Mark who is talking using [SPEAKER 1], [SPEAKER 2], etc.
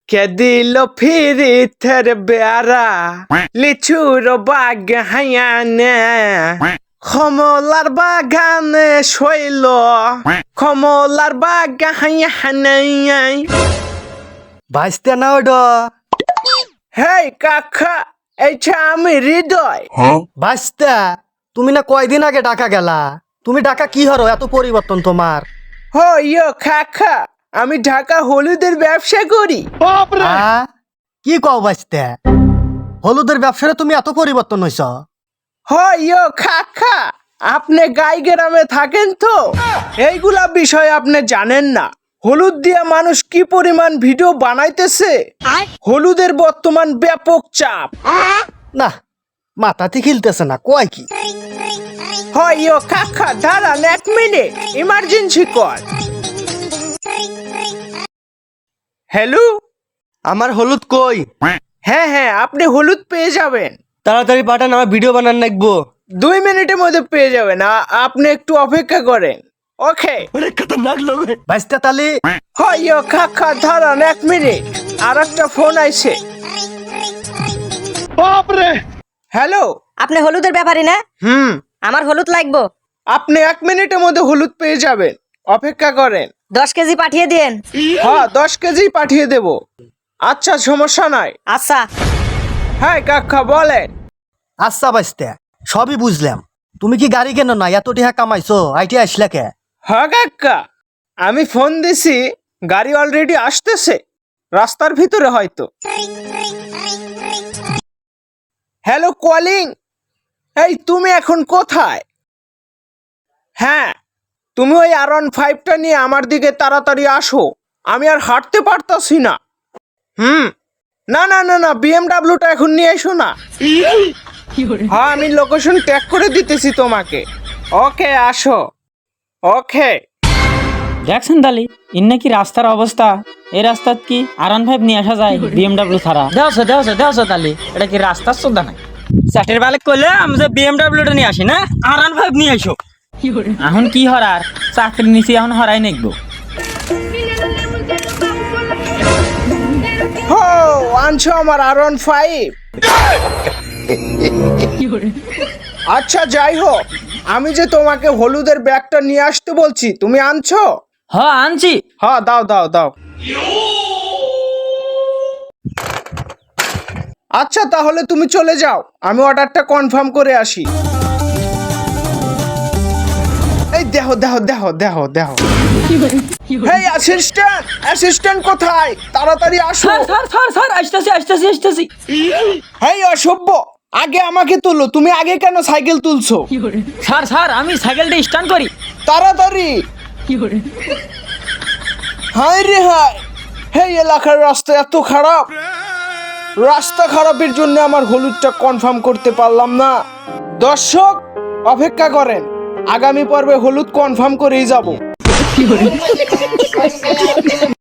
[SPEAKER 1] কে দিল ফিরিতের বেড়া লিচুর বাগানে কমলার বাগানে শৈল কমলার বাগানে
[SPEAKER 2] ভাইস্তে না ওডো
[SPEAKER 1] হেই কাকা এইটা আমি হৃদয়
[SPEAKER 2] ভাইস্তে তুমি না কয়দিন আগে ঢাকা গেলা তুমি ঢাকা কি হরো এত পরিবর্তন তোমার
[SPEAKER 1] হো ইয়ো কাকা আমি ঢাকা হলুদের ব্যবসা করি
[SPEAKER 2] কি কও ভাইস্তে হলুদের ব্যবসারে তুমি এত পরিবর্তন হইছ
[SPEAKER 1] ইয়ো কাকা আপনি গাই গ্রামে থাকেন তো এইগুলা বিষয় আপনি জানেন না হলুদ দিয়া মানুষ কি পরিমাণ ভিডিও বানাইতেছে হলুদের বর্তমান ব্যাপক চাপ
[SPEAKER 2] না মাথাতে খিলতেছে না কয় কি
[SPEAKER 1] ইয়ো কাকা দাঁড়ান 1 মিনিট ইমার্জেন্সি কল হ্যালো
[SPEAKER 2] আমার হলুদ কই
[SPEAKER 1] হ্যাঁ আপনি হলুদ পেয়ে যাবেন
[SPEAKER 2] তাড়াতাড়ি পাঠান আমার ভিডিও বানান লাগবো
[SPEAKER 1] 2 মিনিটের মধ্যে পেয়ে যাবেন আপনি একটু অপেক্ষা করেন ওকে
[SPEAKER 2] ভাইস্তে তালি
[SPEAKER 1] ইয়ো কাকা দাঁড়ান 1 মিনিট আর একটা ফোন আইছে হ্যালো
[SPEAKER 3] আপনি হলুদের ব্যাপারী না আমার হলুদ লাগবো
[SPEAKER 1] আপনি 1 মিনিটের মধ্যে হলুদ পেয়ে যাবেন অপেক্ষা করেন
[SPEAKER 3] 10 কেজি পাঠিয়ে দিন
[SPEAKER 1] 10 কেজি পাঠিয়ে দেব আচ্ছা সমস্যা নাই
[SPEAKER 3] আচ্ছা
[SPEAKER 1] হ্যাঁ কাকা বলেন
[SPEAKER 2] আচ্ছা ভাইস্তে সবই বুঝলাম তুমি কি গাড়ি কেন না এত টিহা কামাইছো আইটি আসলে কে
[SPEAKER 1] কাকা আমি ফোন দিছি গাড়ি অলরেডি আসতেছে রাস্তার ভিতরে হয়তো হ্যালো কলিং এই তুমি এখন কোথায় হ্যাঁ তুমি ওই R15টা নিয়ে আমার দিকে তাড়াতাড়ি আসো আমি আর হাঁটতে পারতাছি না না BMWটা এখন নিয়ে এসো না আমি লোকেশন ট্যাগ করে দিতেছি তোমাকে ওকে আসো ওকে
[SPEAKER 4] দেখছেন তালি ইন নাকি রাস্তার অবস্থা এই রাস্তাত কি R15 নিয়ে আসা যায় BMW ছাড়া দেওছো তালি এটা কি রাস্তার সোদা নাই চাটের বালে কইলে আমি যে BMWটা নিয়ে আসি না R15 নিয়ে আইসো এখন কি হরার চাকরি নিছি এখন হরাই নেকবো
[SPEAKER 1] আনছো আমার R15 আচ্ছা যাই হোক আমি যে তোমাকে হলুদের ব্যাগটা নিয়ে আসতে বলছি তুমি আনছো
[SPEAKER 4] আনছি
[SPEAKER 1] দাও আচ্ছা তাহলে তুমি চলে যাও আমি অর্ডারটা কনফার্ম করে আসি এই দেখো হেই অ্যাসিস্ট্যান্ট কোথায় তাড়াতাড়ি আসো
[SPEAKER 4] স্যার আসতেছি
[SPEAKER 1] হেই অসভ্য আগে আমাকে তুলো তুমি আগে কেন সাইকেল তুলছো
[SPEAKER 4] স্যার আমি সাইকেলটা স্টার্ট করি
[SPEAKER 1] তাড়াতাড়ি হায় হেই এলাকার রাস্তা এত খারাপ রাস্তা খারাপের জন্য আমার হলুদটা কনফার্ম করতে পারলাম না দর্শক অপেক্ষা করেন আগামী পর্বে হলুদ কনফার্ম করেই যাব